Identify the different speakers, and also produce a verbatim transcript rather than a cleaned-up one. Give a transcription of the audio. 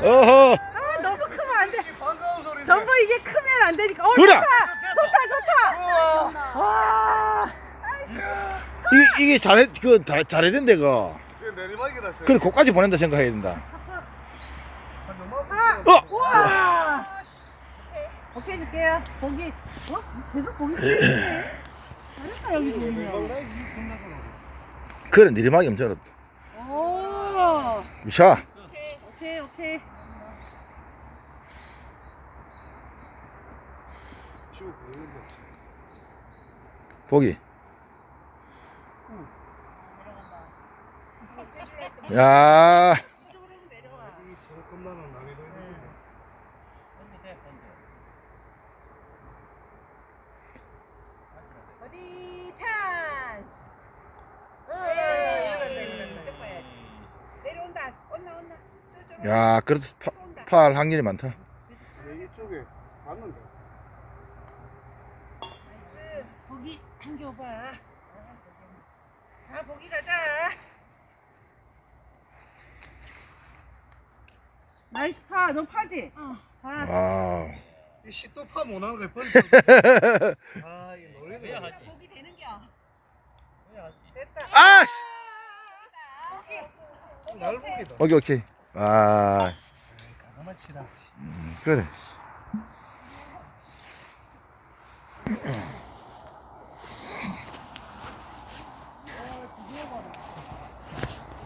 Speaker 1: 어허.
Speaker 2: 아 너무 크면 안 돼.
Speaker 3: 반가운 소리.
Speaker 2: 전부 이게 크면 안 되니까. 어
Speaker 1: 그래.
Speaker 2: 좋다. 좋다 좋다. 와.
Speaker 1: 이게, 이게 잘해, 그, 잘, 잘해야 된대, 그거.
Speaker 3: 내리막이라.
Speaker 1: 그래, 거기까지 보낸다 생각해야 된다.
Speaker 2: 아.
Speaker 1: 어!
Speaker 2: 우와. 오케이 줄게요. 고기. 어? 계속 고기 끓이네. 잘했다 여기 고기면.
Speaker 1: 그래, 내리막이 엄청 어렵다.
Speaker 2: 오.
Speaker 1: 샤.
Speaker 2: 오케이 오케이.
Speaker 1: 보기. 야.
Speaker 2: 어디 찬스. 내려온다. 온나 온나.
Speaker 1: 야, 그래도 파, 파할 확률이 많다.
Speaker 3: 이쪽에 맞는데.
Speaker 2: 고기 당겨봐. 아 고기 가자. 나이스 파. 너 파지? 어. 파.
Speaker 1: 와우.
Speaker 3: 이 시도 파 못하는 거 뻔. 아, 이거 놀리네.
Speaker 2: 고기 되는겨. 됐다.
Speaker 1: 아! 씨.
Speaker 3: 날보기다.
Speaker 1: 오케이, 오케이. 아,
Speaker 3: 가만 치라.
Speaker 1: 그래.